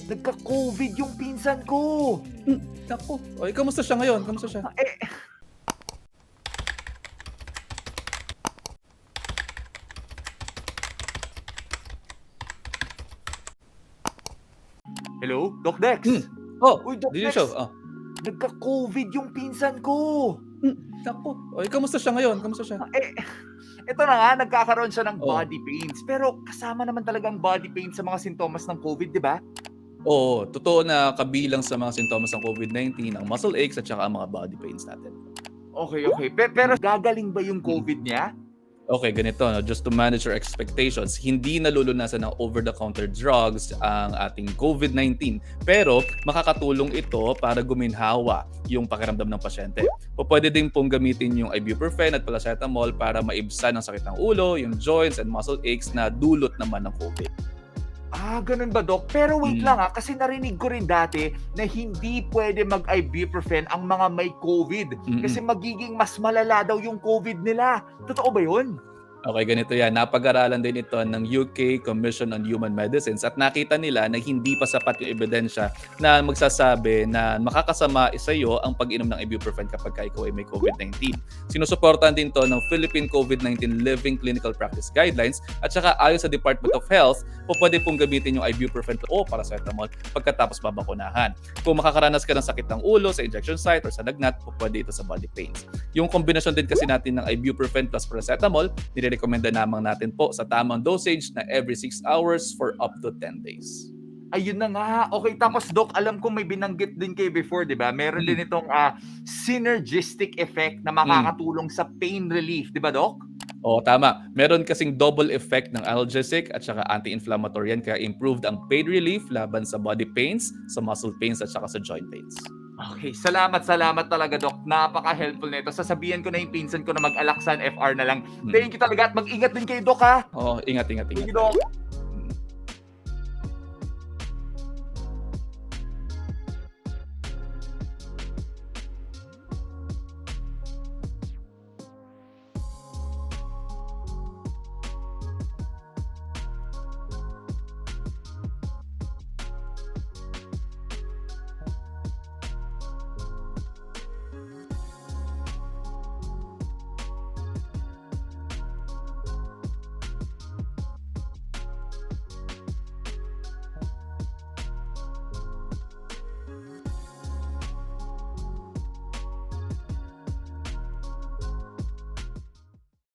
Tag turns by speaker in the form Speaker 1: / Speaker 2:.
Speaker 1: Nagka-COVID yung pinsan ko.
Speaker 2: Naku. O, kamusta siya ngayon? Kamusta siya?
Speaker 1: Hello, Doc Dex?
Speaker 2: Oh,
Speaker 1: Uy, Doc
Speaker 2: did you
Speaker 1: Dex,
Speaker 2: show?
Speaker 1: nagka-COVID yung pinsan ko.
Speaker 2: Naku. O, kamusta siya ngayon? Kamusta siya?
Speaker 1: Ito na nga, nagkakaroon siya ng
Speaker 2: Oh.
Speaker 1: body pains. Pero kasama naman talagang body pains sa mga sintomas ng COVID, di ba?
Speaker 2: Oo, totoo na kabilang sa mga sintomas ng COVID-19 ang muscle aches at saka ang mga body pains natin.
Speaker 1: Okay. Pero gagaling ba yung COVID niya?
Speaker 2: Okay, ganito, no? Just to manage your expectations, hindi nalulunasan ng over-the-counter drugs ang ating COVID-19. Pero makakatulong ito para guminhawa yung pakiramdam ng pasyente. O pwede din pong gamitin yung ibuprofen at paracetamol para maibsan ang sakit ng ulo, yung joints and muscle aches na dulot naman ng COVID.
Speaker 1: Ganun ba, Doc? Pero wait lang kasi narinig ko rin dati na hindi pwede mag-ibuprofen ang mga may COVID kasi magiging mas malala daw yung COVID nila. Totoo ba yun?
Speaker 2: Okay, ganito yan. Napag-aralan din ito ng UK Commission on Human Medicines at nakita nila na hindi pa sapat yung ebidensya na magsasabi na makakasama sa iyo ang pag-inom ng ibuprofen kapag ikaw ay may COVID-19. Sinusuportahan din to ng Philippine COVID-19 Living Clinical Practice Guidelines at saka ayon sa Department of Health, pwede pong gamitin yung ibuprofen o paracetamol pagkatapos babakunahan. Kung makakaranas ka ng sakit ng ulo sa injection site or sa lagnat, pwede ito sa body pains. Yung kombinasyon din kasi natin ng ibuprofen plus paracetamol, nirekomenda naman natin po sa tamang dosage na every 6 hours for up to 10 days.
Speaker 1: Ayun na nga. Okay, tapos Doc, alam ko may binanggit din kayo before, di ba? Meron din itong synergistic effect na makakatulong sa pain relief, di ba, Doc?
Speaker 2: Oo, tama. Meron kasing double effect ng analgesic at saka anti-inflammatory yan kaya improved ang pain relief laban sa body pains, sa muscle pains at saka sa joint pains.
Speaker 1: Okay, salamat talaga, Doc. Napaka-helpful nito. Sasabihan ko na yung pinsan ko na mag-Alaxan FR na lang. Thank you talaga at mag-ingat din kayo, Doc, ha?
Speaker 2: Oo, ingat.
Speaker 1: Thank you, Doc.